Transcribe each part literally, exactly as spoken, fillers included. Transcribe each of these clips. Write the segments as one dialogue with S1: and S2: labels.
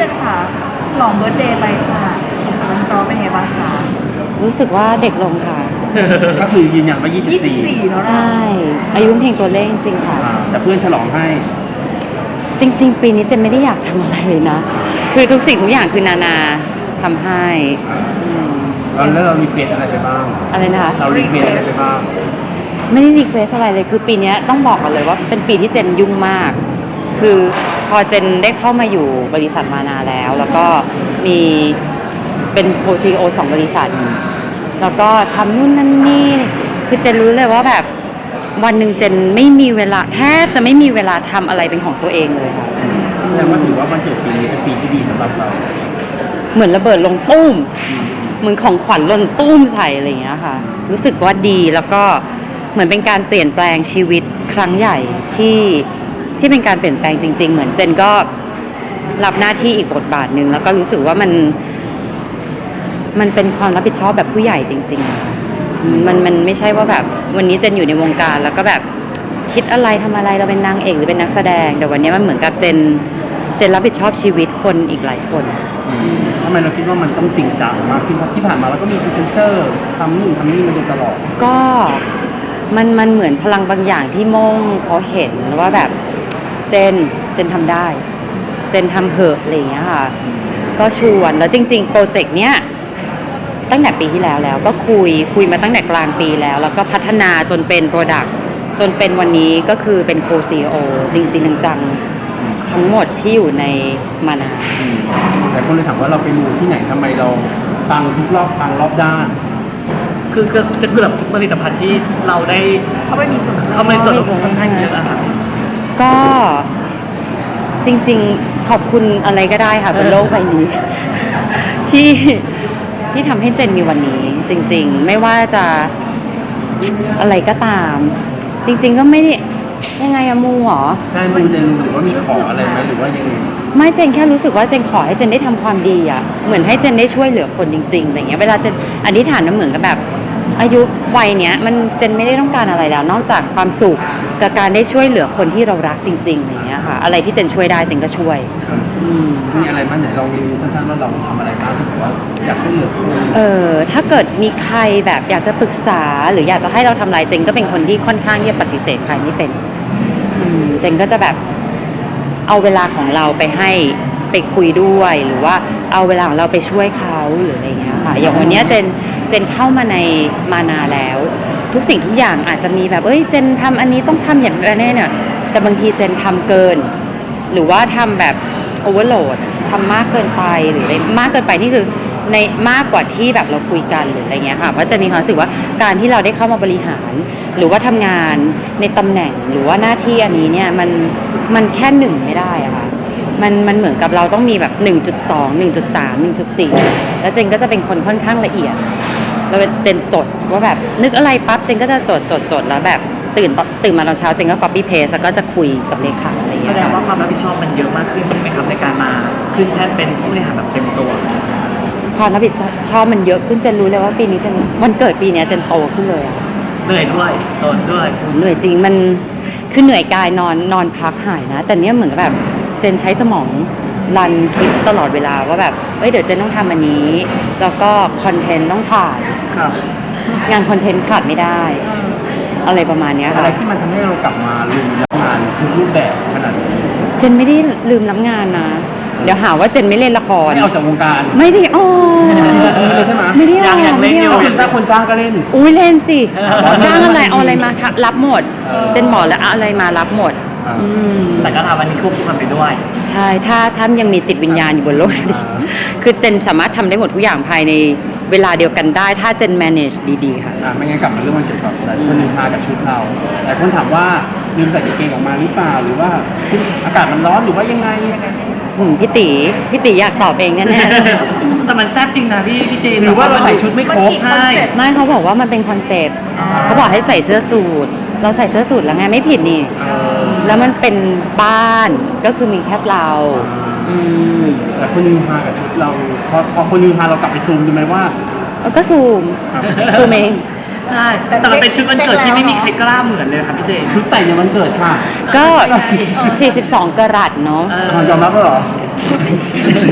S1: จนค่ะฉลองเบิร์ธเดย์ไปค่ะมันก็เป็นไงบ้างคะ
S2: รู้สึกว่าเด็กลงค่ะ
S3: ก็คือยืนยันว่ายี่สิบสี่
S1: เนาะ
S2: ใช่ อายุเพียงตัวเลขจริงๆค่ะ
S3: แต่เพื่อนฉลองให้
S2: จริงๆ ปีนี้เจนไม่ได้อยากทำอะไรเลยนะ คือทุกสิ่งทุกอย่างคือนานาทำให้อืม
S3: แล้วเรารีเควสอะไรไปบ้าง
S2: อะไรนะคะ
S3: เรารีเควสอะไรไปบ้าง
S2: ไม่ได้รีเควสอะไรเลย คือปีนี้ต้องบอกกันเลยว่าเป็นปีที่เจนยุ่งมาก คือพอเจนได้เข้ามาอยู่บริษัทมานาแล้ว แล้วก็มีเป็นโคซีโอสองบริษัท แล้วก็ทำนู่นนั่นนี่ คือเจนรู้เลยว่าแบบวันหนึ่งเจนไม่มีเวลาแทบจะไม่มีเวลาทำอะไรเป็นของตัวเองเลยค่ะ
S3: แสดงว่าถือว่าวันเกิดปีนี้เป็นปีที่ดีสำหรับเรา
S2: เหมือนระเบิดลงตุ้ม เหมือนของขวัญหล่นตุ้มใส่อะไรอย่างเงี้ยค่ะ รู้สึกว่าดีแล้วก็เหมือนเป็นการเปลี่ยนแปลงชีวิตครั้งใหญ่ที่ที่เป็นการเปลี่ยนแปลงจริงๆ เหมือนเจนก็รับหน้าที่อีกบทบาทหนึ่งแล้วก็รู้สึกว่ามันมันเป็นความรับผิดชอบแบบผู้ใหญ่จริงๆอะค่ะมันมันไม่ใช่ว่าแบบวันนี้เจนอยู่ในวงการแล้วก็แบบคิดอะไรทำอะไรเราเป็นนางเอกหรือเป็นนักแสดงแต่วันนี้มันเหมือนกับเจนเจนรับผิดชอบชีวิตคนอีกหลายคน
S3: ทำไมเราคิดว่ามันต้องจริงจังมากขึ้นเพราะที่ผ่านมาเราก็มีพรีเซนเตอร์ทำนู่นทำนี่มาโดยตลอด
S2: ก็มันมันเหมือนพลังบางอย่างที่โม่งเขาเห็นว่าแบบเจนเจนทำได้เจนทำเหอะอะไรอย่างเงี้ยค่ะก็ชวนแล้วจริงๆโปรเจกต์เนี้ยตั้งแต่ปีที่แล้วแล้วก็คุยคุยมาตั้งแต่กลางปีแล้วแล้วก็พัฒนาจนเป็นโปรดักต์จนเป็นวันนี้ก็คือเป็นโคซีโอจริงๆจังๆทั้งหมดที่อยู่ในมานา
S3: แต่คนเลยถามว่าเราไปมูที่ไหนทำไมเราฟังทุกรอบฟังรอบด้าน
S4: คือคือจะเกือบทุกผลิตภัณฑ์ที่เราได้
S1: เขาไม่มีส่วน
S4: เขาไม่ส่วนค่อนข้างเยอะอะค่ะ
S2: ก็จริงๆขอบคุณอะไรก็ได้ค่ะบนโลกใบนี้ ที่ที่ทำให้เจนมีวันนี้จริงๆไม่ว่าจะอะไรก็ตามจริงๆก็ไม่ได้ยังไงอะมูหรอ
S3: ใช่มูเจนหรือว่ามีขออะไรไหมหรือว่ายังไง
S2: ไม่เจนแค่รู้สึกว่าเจนขอให้เจนได้ทำความดีอะเหมือนให้เจนได้ช่วยเหลือคนจริงๆอะไรเงี้ยเวลาเจนอธิษฐานมันเหมือนกับแบบอายุวัยเนี้ยมันเจนไม่ได้ต้องการอะไรแล้วนอกจากความสุขกับการได้ช่วยเหลือคนที่เรารักจริงๆอะไรเงี้ยค่ะอะไรที่เจนช่วยได้เจนก็ช่วย
S3: มีอะไรบ้างไหนลองรีวิวสั้นๆว่าเราทำอะไรบ้างที่บอกว่าอยากช่วยเหลือคน
S2: เออถ้าเกิดมีใครแบบอยากจะปรึกษาหรืออยากจะให้เราทำอะไรเจนก็เป็นคนที่ค่อนข้างที่จะปฏิเสธใครไม่เป็นเจนก็จะแบบเอาเวลาของเราไปให้ไปคุยด้วยหรือว่าเอาเวลาของเราไปช่วยเขาหรืออะไรเงี้ยค่ะอย่างวันนี้เจนเจนเข้ามาในมานาแล้วทุกสิ่งทุกอย่างอาจจะมีแบบเอ้ยเจนทำอันนี้ต้องทำอย่างไรแน่เนี่ยแต่บางทีเจนทำเกินหรือว่าทำแบบโอเวอร์โหลดทำมากเกินไปหรืออะไรมากเกินไปนี่คือในมากกว่าที่แบบเราคุยกันหรืออะไรเงี้ยค่ะเพราะจะมีความรู้สึกว่าการที่เราได้เข้ามาบริหารหรือว่าทำงานในตำแหน่งหรือว่าหน้าที่อันนี้เนี่ยมันมันแค่หนึ่งไม่ได้อะค่ะมันมันเหมือนกับเราต้องมีแบบ หนึ่งจุดสอง หนึ่งจุดสาม หนึ่งจุดสี่ แล้วเจนก็จะเป็นคนค่อนข้างละเอียดแล้วเจนจดว่าแบบนึกอะไรปั๊บเจนก็จะจดจดจดแล้วแบบตื่นตื่นมาตอนเช้าเจนก็ copy paste แล้วก็จะคุยกับเลขาอะไรอย่างเงี้ย
S4: แสดงว่าความรับผิดชอบมันเยอะมากขึ้นใช่ไหมครับในการมาขึ้นแท่นเป็นผู้บริหารแบบเต็มตัว
S2: ความรับผิดชอบมันเยอะขึ้นเจนรู้เลยว่าปีนี้เจนวันเกิดปีนี้เจนโตขึ้นเลยอะ
S4: เหนื่อยด้วยโตด้วย
S2: เหนื่อยจริงมันคือเหนื่อยกายนอนนอนพักหายนะแต่เนี้ยเหมือนแบบเจนใช้สมองรันคิดตลอดเวลาว่าแบบเอ้ยเดี๋ยวเจนต้องทำอันนี้แล้วก็คอนเทนต์ต้องถ่าย
S4: ครับ
S2: งานคอนเทนต์ขาดไม่ได้อะไรประมาณนี้ค่ะ
S3: อะไรที่มันทำให้เรากลับมาลืมรับงานทุกรูปแบบขนาดนี้
S2: เจนไม่ได้ลืมรับงานนะเดี๋ยวหาว่าเจนไม่เล่นละคร
S3: ไม่ออกจากวงการ
S2: ไม่ได้อ๋อ
S3: ใช่ไหม
S2: ไม่ได้
S4: ยังยังเล่นอยู่
S3: ถ้าคนจ้างก็เล่น
S2: อุ้ยเล่นสิจ้างอะไรเอาอะไรมารับหมดเจนบอกแล้วอะไรมารับหมด
S4: แต่ก็ทำอันนี้ควบคู่กันไปด้วย
S2: ใช่ถ้าถ้ายังมีจิตวิญญาณอยู่บนโลกนี้คือเจนสามารถทำได้หมดทุกอย่างภายในเวลาเดียวกันได้ถ้าเจน manage ดีๆค่ะ
S3: อ่าไม่งั้นกลับมาเรื่องมันเกี่ยวกับหลายคนลืมมากับชุดเราหลายคนถามว่าลืมใส่กางเกงออกมาหรือเปล่าหรือว่าอากาศมันร้อนหรือว่ายังไงยังไง
S2: พี่ตีพี่ตีอยากตอบเองแน่
S4: ๆแต่มันแซ่บจริงนะพี่พี่เจ
S3: หรือว่าเราใส่ชุดไม่ครบ
S4: ใช่
S2: ไม่เขาบอกว่ามันเป็นคอนเซ็ปต์เขาบอกให้ใส่เสื้อสูทเราใส่เสื้อสูทแล้วไงไม่ผิดนี่แล้วมันเป็นบ้านก็คือมีแค่เรา
S3: แต่คนลืมมากับชุดเราพอพอคนลืมมาเรากลับไปซูมดูไหมว่า
S2: ก็ซูมซูมเอง
S4: ใช่แต่มันเป็นชุดวันเกิดที่ไม่มีใครกล้าเหมือนเลยครับพี่เจ
S3: ชุดใส่ในวันเกิดค่ะ
S2: ก็สี่สิบสองกะรัตเนาะ
S3: ยอมรับแล้วเหรอ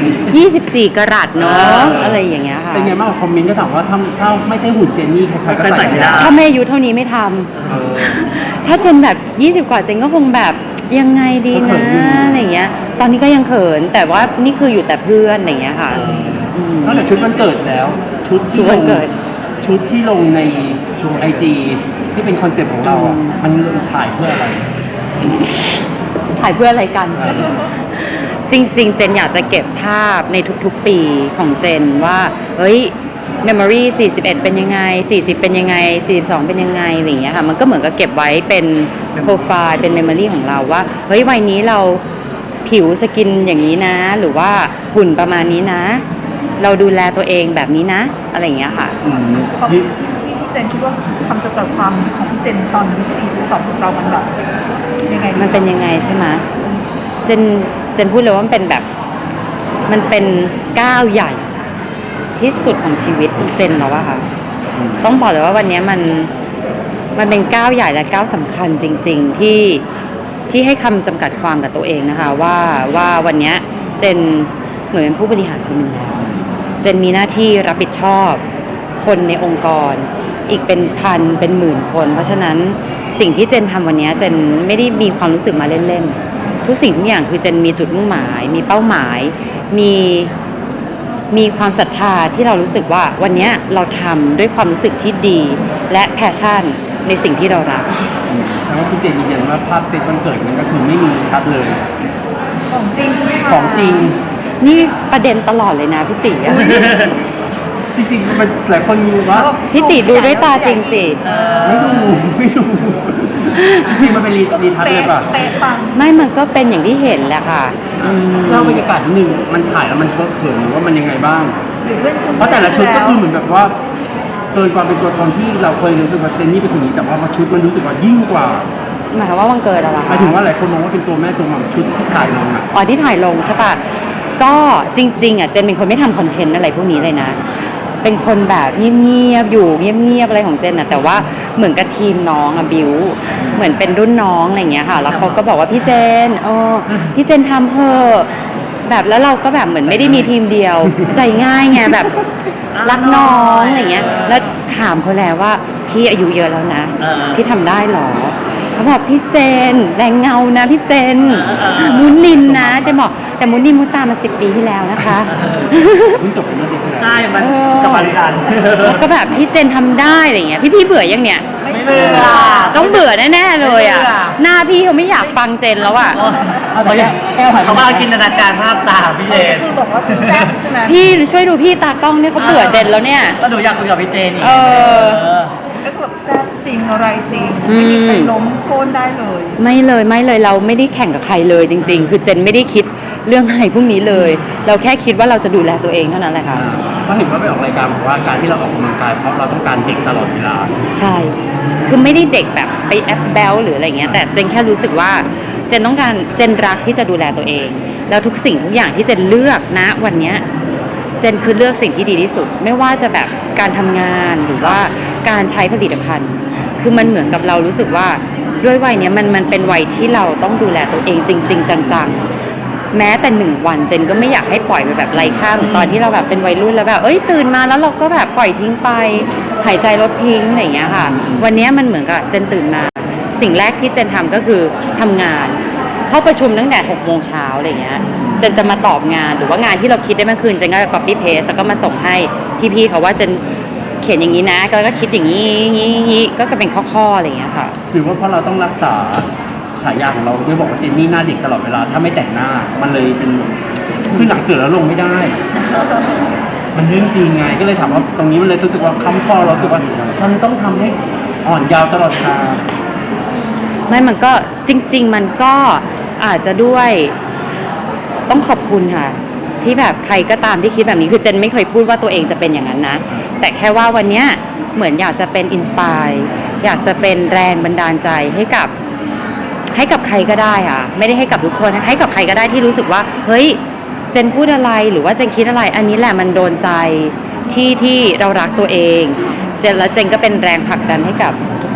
S2: ยี่สิบสี่กะรัตเนาะอะไรอย่างเงี้ยค่ะ
S3: เป็นไงบ้างคอมเมนต์ก็ถามว่าถ้าถ้าไม่ใช่หุ่นเจนนี่ใครๆก็ใส่ไม่ได้
S2: ถ้าไม่อายุเท่านี้ไม่ทำ
S3: เออ
S2: ถ้าเจนแบบยี่สิบกว่าเจนก็คงแบบยังไงดี
S3: ก็เขิ
S2: นะ
S3: นอยู่
S2: อะไรอย่างเงี้ย ตอนนี้ก็ยังเขินแต่ว่านี่คืออยู่แต่เพื่อนอะไรอย่างเงี้ยค่ะ ม
S3: นอกจากชุดวันเกิดแล้ว ชุด
S2: ชุ
S3: ที่
S2: ด
S3: ล
S2: วัน
S3: ง
S2: เกิด
S3: ชุดที่ลงในช่วงไอจีที่เป็นคอนเซ็ปต์ของเราอ่ะ
S2: อืม
S3: มันถ่ายเพื่ออะไร
S2: ถ่ายเพื่ออะไรกัน
S3: เออ
S2: จริงๆ เจนอยากจะเก็บภาพในทุกๆ ปีของเจนว่า เฮ้ย memory สี่สิบเอ็ดเป็นยังไง สี่สิบเป็นยังไง สี่สิบสองเป็นยังไงอะไรอย่างเงี้ยค่ะ มันก็เหมือนกับเก็บไว้เป็นโปรไฟล์ เป็น memory ของเราว่า เฮ้ย วัยนี้เราผิวสกินอย่างนี้นะ หรือว่าหุ่นประมาณนี้นะ เราดูแลตัวเองแบบนี้นะ อะไรอย่างเงี้ยค่ะ
S3: อืม
S1: ความที่ที่เจนคิดว่าคำจำกัดความของพี่เจนตอนนี้สี่หรือสองของเรามันแบบยังไงดี
S2: มันเป็นยังไงใช่ไหมเจนเจนพูดเลยว่ามันเป็นแบบ มันเป็นก้าวใหญ่ที่สุดของชีวิตเจนแล้วอะค่ะ
S3: อืม
S2: ต้องบอกเลยว่าวันนี้มันมันเป็นก้าวใหญ่และก้าวสำคัญจริง ๆ ที่ที่ให้คำจำกัดความกับตัวเองนะคะ ว่าว่าวันนี้เจนเหมือนเป็นผู้บริหารคนหนึ่งแล้วเจนมีหน้าที่รับผิดชอบคนในองค์กร อีกเป็นพันเป็นหมื่นคน เพราะฉะนั้นสิ่งที่เจนทำวันนี้เจนไม่ได้มีความรู้สึกมาเล่นๆทุกสิ่งทุกอย่างคือเจนมีจุดมุ่งหมาย มีเป้าหมาย มีมีความศรัทธาที่เรารู้สึกว่าวันนี้เราทำด้วยความรู้สึกที่ดี และแพชชั่นในสิ่งที่เรารัก
S3: อืมแต่ว่าคุณเจนยืนยันว่าภาพเซตวันเกิดมันก็คือไม่มีคัดเลย
S1: ของจริงใช่ไหมคะ
S3: ของจริง
S2: นี่ประเด็นตลอดเลยนะพี่ติอะ
S3: จริงๆมันหลายคนมีว่า
S2: พี่ติดูด้วยตาจริงสิ
S3: ไม่ดูไม่ดูจริงๆมันเป็นรีรีทัชเลยป่ะ
S1: เป๊ะปัง
S2: ไม่มันก็เป็นอย่างที่เห็นแหละค่ะอืม
S3: เล่าบรรยากาศนิดนึงมันถ่ายแล้วมันเคอะเขินหรือว่ามันยังไงบ้าง
S1: หรือเรื่องคุณ
S3: เพราะแต่ละชุดก็คือเหมือนแบบว่าเกินความเป็นตัวตนที่เราเคยรู้สึกว่าเจนนี่เป็นคนนี้แต่ว่ามาชุดมันรู้สึกว่ายิ่งกว่า
S2: หมายความว่าวันเกิดอะไร
S3: ห
S2: คะ
S3: มายถึงว่าหลายคนมองว่าเป็นตัวแม่ตัวหม่ำชุดที่ถ่ายลงอ่ะ
S2: อ๋อที่ถ่ายลงใช่ปะก็จริงๆอ่ะเจนเป็นคนไม่ทำคอนเทนต์อะไรพวกนี้เลยนะ เป็นคนแบบเงียบๆอยู่เงียบๆอะไรของเจนอ่ะแต่ว่าเหมือนกับทีมน้องอะบิวเหมือนเป็นรุ่นน้องอะไรอย่างเงี้ยค่ะ แล้วเขาก็บอกว่าพี่เจนเออพี่เจนทำเถอะแบบแล้วเราก็แบบเหมือนไม่ได้มีทีมเดียว ใจง่ายไงแบบรักน้องอะไรเงี้ย แล้วถามเขาแล้วว่าพี่อายุเยอะแล้วนะ
S4: เออ
S2: พี่ทำได้เหรอเขาบอกพี่เจนแรงเงานะพี่เจน
S4: เออเออเออ
S2: มุนินนะเจนบอกแต่มุนินมุตามาสิบปีที่แล้วนะคะ
S3: เพิ่งจบไปเมื่อเดือนที่แล้ว
S4: ใช่มัน
S2: เออ
S4: กำลังกัน
S2: แล้วก็แบบพี่เจนทำได้อะไรเงี้ยพี่พี่เบื่อยังเนี่ย
S4: ไม่เบื่อ
S2: ต้องเบื่อแน่ๆเลยอ่ะ
S4: ไม่เบื่อ
S2: หน้าพี่เขาไม่อยากฟังเจนแล้วอ่ะ
S4: เขาอยากเขากำลังจินตนาการภาพตามพี่เจน
S1: คือบอกว่าแซ่บใช่ไหม
S2: พี่ช่วยดูพี่ตากล้องเนี่ยเขาเบื่อเจนแล้วเนี่ย
S4: ก็หนูอยากคุยกับพี่เจนอีก
S2: เออ
S4: เออ
S1: ก็คือแบบแซ่บจริงอะไรจริง
S2: อืม
S1: ไม่มีใครล้มโค่นได้เลย
S2: ไม่เลยไม่เลยเราไม่ได้แข่งกับใครเลยจริง ๆ คือเจนไม่ได้คิดเรื่องอะไรพวกนี้เลย เราแค่คิดว่าเราจะดูแลตัวเองเท่านั้นแหละค่ะ
S3: เพราะเห็นว่าไปออกรายการบอกว่าการที่เราออกกำลังกายเพราะเราต้องการเด็กตลอดเวลา
S2: ใช่ คือไม่ได้เด็กแบบไปแอปแบลหรืออะไรเงี้ย แต่เจนแค่รู้สึกว่าเจนต้องการเจนรักที่จะดูแลตัวเอง แล้วทุกสิ่งทุกอย่างที่เจนเลือกนะวันเนี้ยเจนคือเลือกสิ่งที่ดีที่สุด ไม่ว่าจะแบบการทำงานหรือว่าการใช้ผลิตภัณฑ์ คือมันเหมือนกับเรารู้สึกว่าด้วยวัยเนี้ยมันมันเป็นวัยที่เราต้องดูแลตัวเองจริง ๆ จังๆ แม้แต่หนึ่งวันเจนก็ไม่อยากให้ปล่อยไปแบบไร้ค่าเหมือนตอนที่เราแบบเป็นวัยรุ่นแล้วแบบเอ้ยตื่นมาแล้วเราก็แบบปล่อยทิ้งไปหายใจลดทิ้งอะไรอย่างเงี้ยค่ะ วันเนี้ยมันเหมือนกับเจนตื่นมาสิ่งแรกที่เจนทำก็คือทำงาน เข้าประชุมตั้งแต่หกโมงเช้าอะไรเงี้ยเจนจะมาตอบงานหรือว่างานที่เราคิดได้เมื่อคืนเจนก็ copy paste แล้วก็มาส่งให้พี่ๆเขาว่าเจนเขียนอย่างนี้นะก็ก็คิดอย่างนี้นี้นี้ก็จะเป็นข้อๆอะไรอย่างเงี้ยค่ะ
S3: หรือว่าเพราะเราต้องรักษาฉายาของเราด้วยบอกว่าเจนนี่หน้าเด็กตลอดเวลาถ้าไม่แต่งหน้า มันเลยเป็นขึ้นหลังเสือแล้วลงไม่ได้ มันเรื่องจริงไงก็เลยถามว่าตรงนี้มันเลยรู้สึกว่าคำคอเรารู้สึกว่าฉันต้องทำให้อ่อนยาวตลอดทาง
S2: ไม่มันก็จริง ๆ มันก็อาจจะด้วยต้องขอบคุณค่ะ ที่แบบใครก็ตามที่คิดแบบนี้คือเจนไม่เคยพูดว่าตัวเองจะเป็นอย่างนั้นนะ แต่แค่ว่าวันเนี้ยเหมือนอยากจะเป็นอินสปายอยากจะเป็นแรงบันดาลใจให้กับให้กับใครก็ได้ค่ะ ไม่ได้ให้กับทุกคนนะให้กับใครก็ได้ที่รู้สึกว่าเฮ้ยเจนพูดอะไรหรือว่าเจนคิดอะไร อันนี้แหละมันโดนใจที่ที่เรารักตัวเองเจนแล้วเจนก็เป็นแรงผลักดันให้กับทุก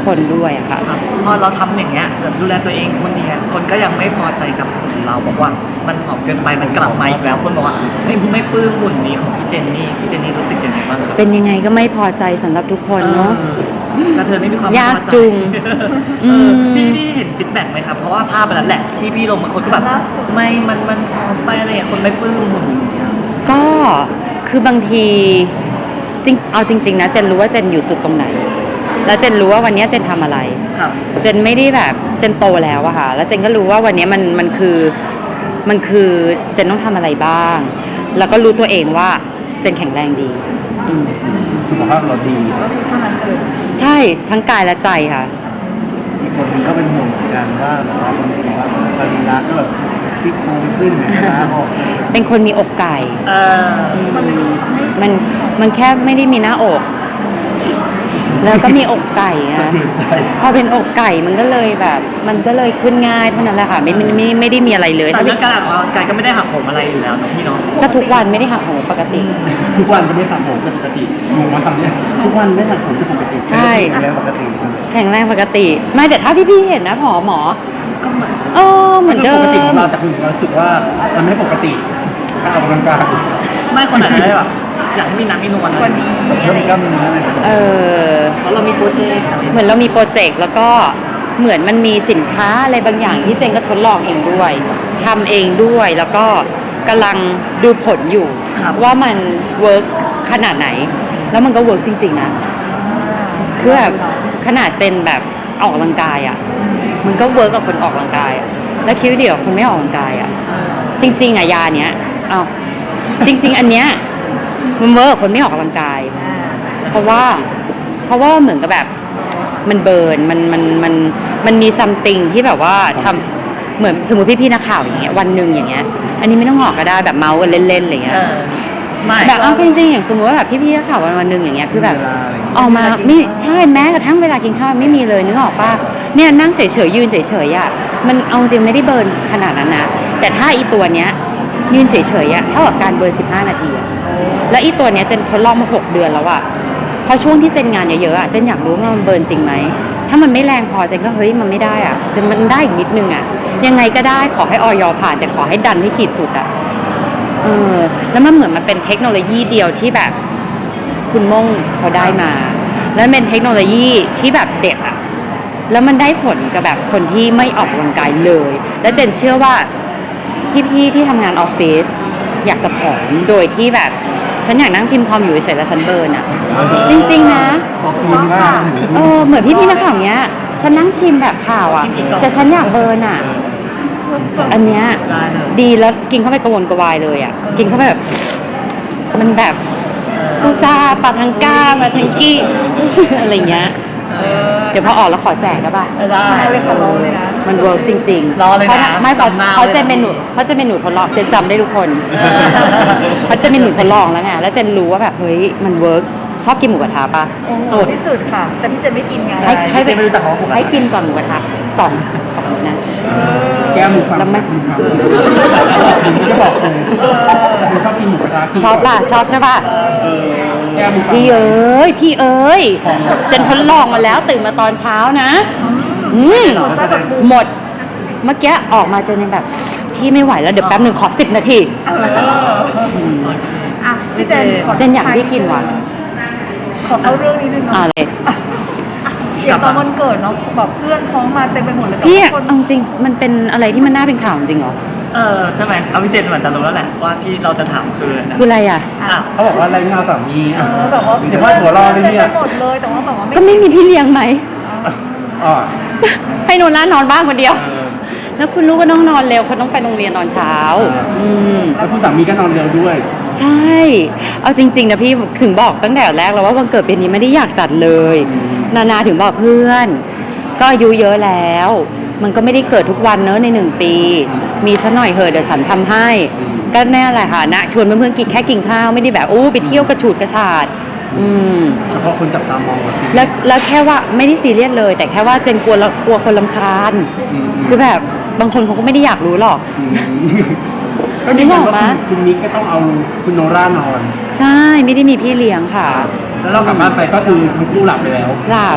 S2: คนด้วยอะค่ะ
S4: ครับพอเราทำอย่างเงี้ยแบบดูแลตัวเองคนเนี้ยคนก็ยังไม่พอใจกับหุ่นเราบอกว่ามันผอมเกินไปมันกลับมาอีกแล้วคนบอกว่าไม่ไม่ปลื้มหุ่นนี้ของพี่เจนนี่พี่เจนนี่รู้สึกยังไงบ้างครับ
S2: เป็นยังไงก็ไม่พอใจสำหรับทุกคนเนาะ
S4: เออกระเทยไม่มีความ
S2: ยาก
S4: พอใจ
S2: จุง
S4: เออ
S2: ม
S4: พี่พี่เห็นฟีดแบ็กไหมครับเพราะว่าภาพมันนั้นแหละที่พี่ลงบางคนก็แบบไม่มันมันผอมไปอะไรอย่างเงี้ยคนไม่ปลื้มหุ่นอย่างเงี้ย
S2: ก็คือบางทีจริงเอาจริง ๆ นะเจนรู้ว่าเจนอยู่จุดตรงไหน แล้วเจนรู้ว่าวันนี้เจนทำอะไร
S4: ครับ
S2: เจนไม่ได้แบบเจนโตแล้วอะค่ะ แล้วเจนก็รู้ว่าวันนี้มันมันคือมันคือเจนต้องทำอะไรบ้าง แล้วก็รู้ตัวเองว่าเจนแข็งแรงดีอืม
S3: สุขภาพเราดี
S1: ก็คือเท่านั้นเลย
S2: ใช่ทั้งกายและใจค่ะ
S5: อีกคนหนึ่งก็เป็นห่วงเหมือนกันว่าแบบว่าคนบอกว่าตอนนี้รักก็แบบซี่โครงขึ้นเหมือนกันนะออก
S2: เป็นคนมีอกไก่
S4: เออ
S1: มันเลยทำให้
S2: มันมันแค่ไม่ได้มีหน้าอก แล้วก็มีอกไก่
S3: สะ
S2: อะ
S3: เทือนใจ
S2: พอเป็นอกไก่มันก็เลยแบบ มันก็เลยขึ้นง่ายเท่านั้นแหละค่ะไม่ไม่ไม่ไม่ได้มีอะไรเลย
S4: แต่เรื่องการออกกำลังกายก็ไม่ได้หักโหมอะไรอยู่แล้วเนอะพี่เนาะ
S2: ก็ทุกวันไม่ได้หักโหมปกติ
S3: ทุกวันก็ไม่ตัดผมเป็นปกติงงมาทำเนี่ยทุกวันไม่ตัดผมจะปกติ
S2: ใช่
S5: แรงปกติ
S2: แข็งแรงปกติ ไม่แต่ถ้าพี่ๆเห็นนะหมอหมอ
S4: ก็เหมือน
S2: เออเหมือนเดิ
S3: ปกติข
S2: ม
S3: องเราแต่คุณเรารู้สึกว่ามันไม่ปกติการออกกำลังกาย
S4: ไม่คนไหนได้แบบอยากให้มีน้ำมีนวล
S1: วันนี้
S5: เริ่มกล้ามเนื้ออะไรแบบนี้
S2: เออ
S4: เพราะเรามีโปรเจกต์อะไร
S2: เหมือนเรามีโปรเจกต์แล้วก็เหมือนมันมีสินค้าอะไรบางอย่างที่เจนก็ทดลองเองด้วยทำเองด้วยแล้วก็กำลังดูผลอยู่ ว่ามันเวิร์กขนาดไหน แล้วมันก็เวิร์กจริงๆนะคือแบบขนาดเป็นแบบออกกำลังกายอ่ะ มันก็เวิร์กกับคนออกกำลังกายอ่ะแล้วคิดว่าเดี๋ยวคนไม่ออกกำลังกายอ่ะ จริงๆอ่ะยาเนี้ยเอาจริง ๆ อันเนี้ยมันเวิร์กกับคนไม่ออกกำลังกาย เพราะว่า เพราะว่าเหมือนกับแบบ มันเบิร์นมันมันมันมันมีซัมติงที่แบบว่าทำเหมือนสมมติพี่ๆนักข่าวอย่างเงี้ยวันหนึ่งอย่างเงี้ย อันนี้ไม่ต้องออกก็ได้แบบเมาส์กันเล่นๆอะไรเงี้ย
S4: เออไม่
S2: แบบเอาจริงๆอย่างสมมติว่าแบบพี่ๆนักข่าววันวันหนึ่งอย่างเงี้ยคือแบบ
S5: เวลาอะไรอย่างเงี้ย
S2: ออกมาไม่ใช่แม้กระทั่งเวลากินข้าวไม่มีเลยนึกออกป่ะเนี่ยนั่งเฉยๆยืนเฉยๆอ่ะมันเอาจริงไม่ได้เบิร์นขนาดนั้นนะแต่ถ้าอีตัวเนี้ยยืนเฉยๆอ่ะเท่ากับการเบิร์นสิบห้านาทีอ่ะแล้วอีตัวเนี้ยเจนทดลองมาหกเดือนแล้วอ่ะพอช่วงที่เจนงานเยอะๆอ่ะเจนอยากรู้ว่ามันเบิร์นจริงไหมถ้ามันไม่แรงพอเจนก็เฮ้ยมันไม่ได้อ่ะเจนมันได้อีกนิดนึงอ่ะยังไงก็ได้ขอให้ออยผ่านแต่ขอให้ดันให้ขีดสุดอ่ะเออแล้วมันเหมือนมันเป็นเทคโนโลยีเดียวที่แบบคุณม่งเขาได้มา แล้วเป็นเทคโนโลยีที่แบบเด็ดอะแล้วมันได้ผลกับแบบคนที่ไม่ออกกำลังกายเลย แล้วเจนเชื่อว่าพี่ๆที่ทำงานออฟฟิศอยากจะผอมโดยที่แบบฉันอยากนั่งพิมพ์คอมอยู่เฉยๆแล้วฉันเบิร์นอะจริงๆนะ
S5: ออกกำลังกาย
S2: เออเหมือนพี่ๆนักข่าวเนี้ย ฉันนั่งพิมพ์แบบข่าวอะแต่ฉันอยากเบิร์นอะอันเนี้ย
S4: ได้เลย
S2: ดีแล้วกินเข้าไปกระวนกระวายเลยอะกินเข้าไปแบบมันแบบซูซาปาทังก้าปาทังกี้ อะไรเงี้ย
S4: เออ
S2: เดี๋ยวพอออกแล้วขอแจกได้ป่ะ
S4: ได้
S1: เลยขอร้องเลยนะ
S2: มันเวิร์กจริงๆ
S4: รอเลยนะ
S2: พาถ้าไม่เพราะ
S4: จำหน้า
S2: เขา
S4: ไว้
S2: จะ
S4: นะ
S2: เป็นหนูเขาจะเป็นหนูทดลองเจนจำได้ทุกคน
S4: เออ
S2: เขาจะเป็นหนูทดลองแล้วไงแล้วเจนรู้ว่าแบบเฮ้ยมันเวิร์กชอบกินหมูกระทะป่ะ
S1: โอ้โหที่สุดค่ะ แต่พี่เจนไม่กินไง
S2: ให้ให้
S4: เจนไม่รู้จักของหมูกระทะ
S2: ให้กินก่อนหมูกระทะสองสองนะ
S3: แก้มหมูฟัง
S2: แล้วไม่
S3: คุณครับผมจะบอกคุณคุณชอบกินหมูกระทะ
S2: ชอบป่ะชอบใช่ป่ะ
S3: เออแก้มหมูฟัง
S2: พี่เอ้ยพี่เอ้ยเจนทดลองมาแล้วตื่นมาตอนเช้านะ อืมหมด เมื่อกี้ออกมาเจนยังแบบพี่ไม่ไหวแล้วเดี๋ยวแป๊บหนึ่งขอสิบนาที
S1: เอออ่ะพี่เจนข
S2: เจนอยากให้กินว่ะ
S1: ขอเข้าเรื่องนี้นึง
S2: อ่า
S1: เนาะ
S2: เลย
S1: อย่างตอนวันเกิดเนาะแบบเพื่อนท้องมาเต็มไปหมดเลยแต่
S2: พี่
S1: ว่าคน
S2: เอาจริงมันเป็นอะไรที่มันน่าเป็นข่าวจริงเหรอ
S4: เออใช่ไหมเอาพี่เจนเหมือนจะรู้แล้วแหละว่าที่เราจะถามคืออะไรนะ
S2: คืออะไรอ่ะ
S4: อ่ะ
S3: เขาบอกว่าอะไรเงาสามี
S1: เอ
S3: อ่ะ
S1: อแบบว่า
S3: เดี๋ยวว่าหัวเรอเลยเนี่ย
S1: ต็มไปหมดเลยแต่ว่าแบบว่าไม่
S2: ก็ไม่มีพี่เลี้ยงไหม
S3: อ๋อ
S2: ให้โนล่านอนบ้านคนเดียว
S3: เออ
S2: แล้วคุณลูกก็ต้องนอนเร็วเขาต้องไปโรงเรียนตอนเช้า อืม
S3: แล้วคุณสามีก็นอนเร็วด้วย
S2: ใช่ เอาจริง ๆนะพี่ถึงบอกตั้งแต่แรกแล้วว่าวันเกิดปีนี้ไม่ได้อยากจัดเลย นานาถึงบอกเพื่อน ก็อายุเยอะแล้ว มันก็ไม่ได้เกิดทุกวันเนอะในหนึ่งปี มีซะหน่อยเหอะเดี๋ยวฉันทำให้ ก็แน่แหละค่ะนะชวนเพื่อนๆกินแค่กินข้าวไม่ได้แบบโอ้ไปเที่ยวกระฉูดกระชาด อืม
S3: เฉพาะคนจับตามองว่า
S2: แล้วแล้วแค่ว่าไม่ได้ซีเรียสเลย แต่แค่ว่าเจนกลัวละกลัวคนรำคาญ คือแบบบางคนเขาก็ไม่ได้อยากรู้หรอก
S3: ก็นี่บอกว่าคุณนิกก็ต้องเอาคุณโนร่านอน
S2: ใช่ไม่ได้มีพี่เลี้ยงค่ะ
S3: แล้วเรากลับบ้านไปก็คือทั้งคู่หลับไปแล้ว
S2: หลับ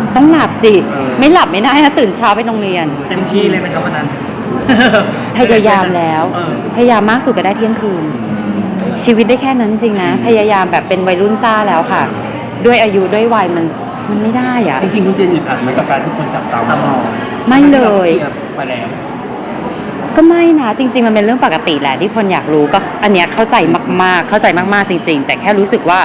S2: ต้องหลับสิ
S3: เออ
S2: ไม่หลับไม่ได้นะตื่นเช้าไปโรงเรียน
S4: เต็มที่เลยไหมครับวันนั้น
S2: พยายามแล้ว
S4: เออ
S2: พยายามมากสุดก็ได้เที่ยงคืน ชีวิตได้แค่นั้นจริงนะ พยายามแบบเป็นวัยรุ่นซ่าแล้วค่ะ ด้วยอายุด้วยวัยมันมันไม่ได้อะ
S3: จริงๆคุณเจนอึดอัดไหมกับการที่คนจับตามอง
S2: ไม่เลย
S3: ที่ราคลีร์ไปแล้ว
S2: ก็ไม่นะจริง ๆ มันเป็นเรื่องปกติแหละที่คนอยากรู้ก็อันเนี้ยเข้าใจมากๆ เข้าใจมากๆจริง ๆ แต่แค่รู้สึกว่า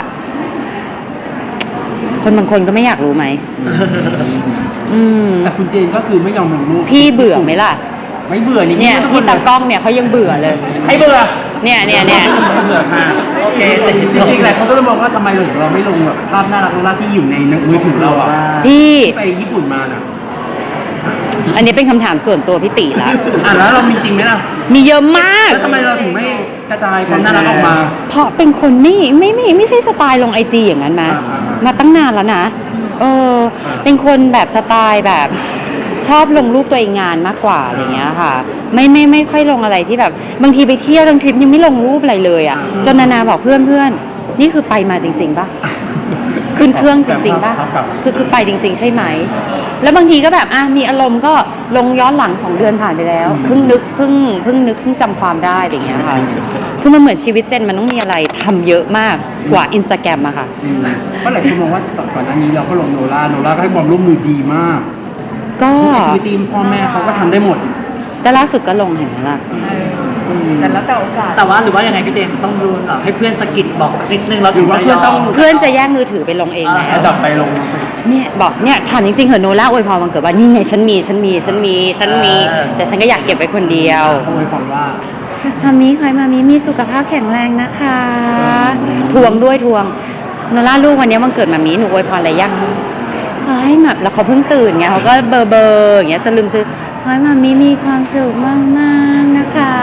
S2: คนบางคนก็ไม่อยากรู้ไหมอืม
S3: แต่คุณเจนก็คือไม่ยอมลงรูป
S2: พี่เบื่อไหมล่ะ
S3: ไม่เบื่อนี่
S2: เนี่ย
S3: ทุกค
S2: พี่
S3: ล
S2: ตากล้องเนี่ยเขายังเบื่อเลย
S3: ให้เบื่อ
S2: เนี่ยเนี่ยเนี่ย
S3: เบื่อค่ะ
S4: โอเค
S3: จริงๆแหละเขาก็เลยมองว่าทำไมเราไม่ลงแบบภาพน่ารักน่ารักที่อยู่ในมือถือเราอะ
S2: พี่
S3: ที่ไปญี่ปุ่นมาน่ะ
S2: อันนี้เป็นคำถามส่วนตัวพี่ติละ
S3: อ่ะแล้วเรามีจริงไหมล่ะ
S2: มีเยอะมาก
S3: แล้วทำไมเราถึงไม่กระจายความน่ารักออกมา
S2: เพราะเป็นคนไม่ไม่ไม่ไม่ใช่สไตล์ลงไอจีอย่างนั้นนะ
S3: อ่าอ่าอ่าม
S2: มาตั้งนานแล้วนะเออ
S3: อ่า
S2: เป็นคนแบบสไตล์แบบ ชอบลงรูปตัวเองงานมากกว่าอะไรเงี้ยค่ะ ไม่ไม่ไม่ค่อยลงอะไรที่แบบ บางทีไปเที่ยวบางทริปยังไม่ลงรูปอะไรเลยอ่ะจนนานาบอกเพื่อนเพื่อนนี่คือไปมาจริงๆป่ะ ขึ้นเครื่องจริงๆป่ะ คือคือไปจริง ๆ ใช่ไหม แล้วบางทีก็แบบอ่ะมีอารมณ์ก็ลงย้อนหลังสองเดือนผ่านไปแล้วเพิ่งนึกเพิ่งเพิ่งนึกเพิ่งจำความได้อะไรเงี้ยค่ะ คือมันเหมือนชีวิตเจนมันต้องมีอะไรทำเยอะมากกว่าอินสตาแกรมอะค่ะ
S3: อืมเพราะหลายคนมองว่าก่อนหน้านี้เราก็ลงโนล่าโนล่าก็ให้ความร่วมมือดีมาก
S2: ก็
S3: ทุกแอคทิวิตี้พ่อแม่เขาก็ทำได้หมด
S2: แต่ล่าสุดก็ลงเห็นไหมล่ะ
S1: เออแต่แล้วแต่โอกาส
S4: แต่ว่าหรือว่ายังไงพี่เจนต้องดูเหรอให้เพื่อนสะกิดบอกสักนิดนึงเรา
S3: หรือว่าเพื่อนต้อง
S2: เพื่อนจะแย่งมือถือไปลงเองแล้
S3: แล้ว วจับไปลง
S2: เนี่ยบอกเนี่ยถามจริงๆเหอะโนล่าอวยพรวันเกิดว่านี่ไงฉันมีฉันมีฉันมีฉันมี แต่ฉันก็อยากเก็บไว้คนเดียว
S3: เขาไว้ความว่า
S2: มามีใครมามีมีสุขภาพแข็งแรงนะคะ ทวงด้วยทวงโนล่าลูกวันนี้วันเกิดมามีหนูอวยพรอะไรยังขอให้แบบแล้วเขาเพิ่งตื่นไงเขาก็เบอร์เบอร์อย่างเงี้ยสลืมซื้อขอให้มามีมีความสุขมากๆนะคะ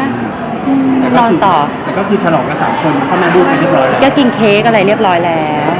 S2: อืมนอนต่อ
S3: แต่ก็คือฉลองกันสามคนเข้ามาดูกันเรียบร้อยแล้ว
S2: ก็กินเค้กอะไรเรียบร้อยแล้ว